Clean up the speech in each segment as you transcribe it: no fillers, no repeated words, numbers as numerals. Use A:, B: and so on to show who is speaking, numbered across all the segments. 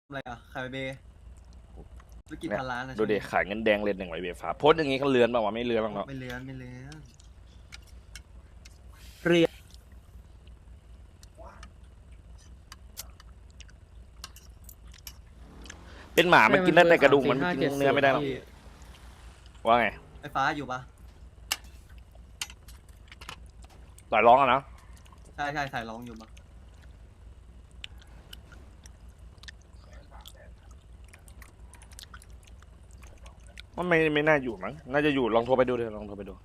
A: อะไรอ่ะขายเบย์ธุรกิจพันล้านนะ
B: ดูดิขายเงินแดงเลนหนึ่งไว้เบฟ้าโพสต์อย่างงี้เขาเลือนป่าววะไม่เลือนบ้างเนาะ
A: ไม่เลื้อนไม่เลื้อน
C: เรียน
B: เป็นหมามันกินได้แต่กระดูกมันกินเนื้อไม่ได้หรอกว่าไง
A: ไฟฟ้าอยู่ปะ
B: ต่อยร้องอะนะ
A: ใช่ใช่สายร้องอยู่ปะ
B: มันไม่น่าอยู่มั้งน่าจะอยู่ลองโทรไปดูเถอะลองโทรไปดู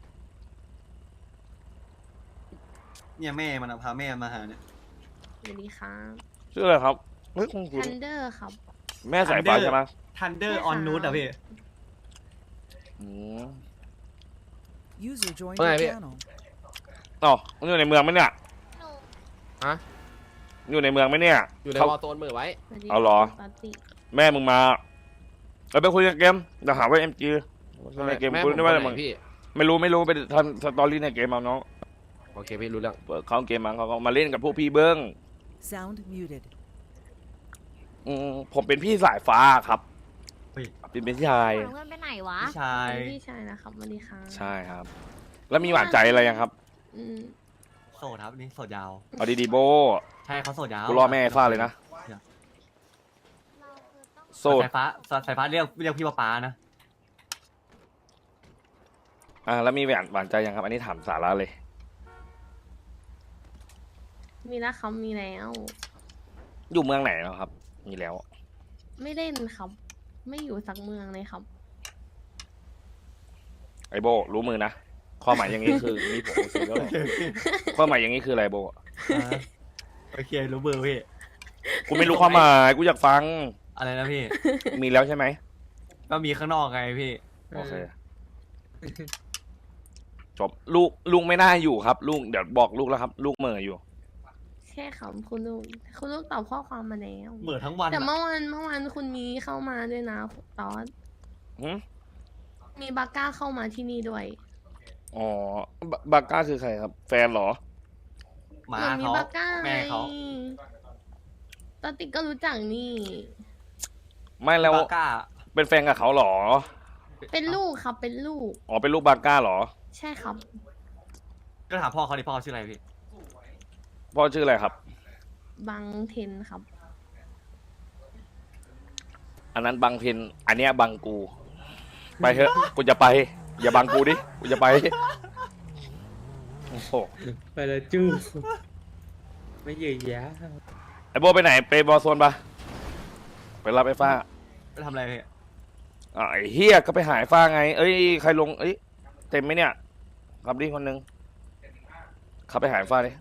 A: เนี่ยแม่มันอะพาแม่มาหาเนี่ย
D: สวัสดีครับ
B: ชื่ออะไรครับเฮ้ยคุณ
D: ทันเดอร์ครับ
B: แม่สายฟ้าใช่ไหม
A: ทันเดอร์ออนนูตอะพี่
B: อืม
E: User joined
C: Okay,
E: your
C: yeah.
E: channel.
B: อ๋อมันอยู่ในเมืองไหมเนี่ย
C: ฮะ
B: อยู่ในเมืองไหมเนี่ย
C: อยู่ใน
B: เขา
C: วอลโซนมือไว้
D: สวัสดี
B: เอาเหรอ
D: ปาติ
B: แม่มึงมาเราไปคุยกันเกมเดี๋ยวหาว่าเอ็มจีในเกม
C: แม่
B: คุ
C: ผ
B: ย
C: ม
B: ได้
C: ไป
B: ว่า
C: ไห
B: อะไร
C: น
B: มึง
C: พี่
B: ไม่รู้ไปทำสตอรี่ในเกมเอาน้อง
C: โอเคพี่รู้เรื่อง
B: เปิดเข้าเกมมาเขาก็มาเล่นกับพวกพี่เบิ้ง
E: Sound muted.
B: ผมเป็นพี่สายฟ้าครับ
A: เฮ้ย
B: เป็นพี่ชาย
F: เพื่อนไปไหนวะ
A: พี่ชาย
D: พี่ชายนะครับสวัสดีครับ
B: ใช่ครับ แล้วมีหวานใจอะไรยังครับ
D: อืม
A: โสดครับนี่โสดยาว
B: เอาดีๆโบ
A: ใช่เขาโสดยาว
B: กูรอแม่ฟ้าเลยนะ โสด
A: สายฟ้าเรียกพี่ป๊านะ
B: แล้วมีหวานใจยังครับ อันนี้ถามสาระเลย
D: มีแล้วครับมีแล้ว
B: อยู่เมืองไหนแล้วครับ มีแล้ว
D: ไม่เล่นครับ ไม่อยู่สักเมืองเลยครับ
B: ไอโบรู้มือนะข้อหมายอย่างนี้คือมีผมเสร็จแล้วเหรอข้อหมายอย่างนี้คืออะไรโบ
A: โอเครู้เบอร์พี่
B: กูไม่รู้ความหมายกูอยากฟัง
A: อะไรนะพี่
B: มีแล้วใช่ไหม
A: ก็มีข้างนอกไงพี่
B: โอเคจบลูกไม่น่าอยู่ครับ ลูกเดี๋ยวบอกลูกแล้วครับ ลูกเหม่ออยู่
D: แค่ครับคุณลูกตอบข้อความมาแล้ว
A: เหมือทั้งวัน
D: แต่
A: อะ
D: เมื่อวานคุณมีเข้ามาด้วยนะตอน
B: หึ
D: มีบาก้าเข้ามาที่นี่ด้วย
B: อ๋อบาก้าคือใครครับ แฟนเหรอ
A: หมา
D: เหมือนมี
A: เขา
D: บาก้า
A: แม่เขา
D: ตอนติกก็รู้จักนี่
B: ไม่แล้ว
A: บาก้า
B: เป็นแฟนกับเขาเหรอ
D: เป็นลูกครับเป็นลูก
B: อ๋อเป็นลูกบาก้าเหรอ
D: ใช่ครับ
A: ก็ถามพ่อเขาดิพ่อเขาชื่ออะไรพี่
B: พ่อชื่ออะไรครับ
D: บังเทนครับ
B: อันนั้นบังเพนอันเนี้ยบังกู ไปเถอะกูจะไป อย่าบังกูดิกูจะไปโอ้โห
G: ไปแล้วจู้ไม่เยอะแยะ
B: ไอโบไปไหนไปบอลโซนปะไปรับไอ้ฟ้า
A: ไปทำอะไรพี่
B: ไอ้เฮียก็ไปหายฟ้าไง เอ้ยใครลงเอ้ยเต็มไหมเนี่ยขับดิคนหนึงขับไปหายฟ้าดิ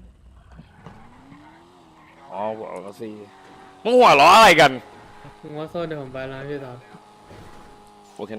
B: อ๋อเอาสิมึงหัวล้ออะไรกัน
G: มึงว่าโซนเดี๋ยวผมไปแล้วพี่ตอบ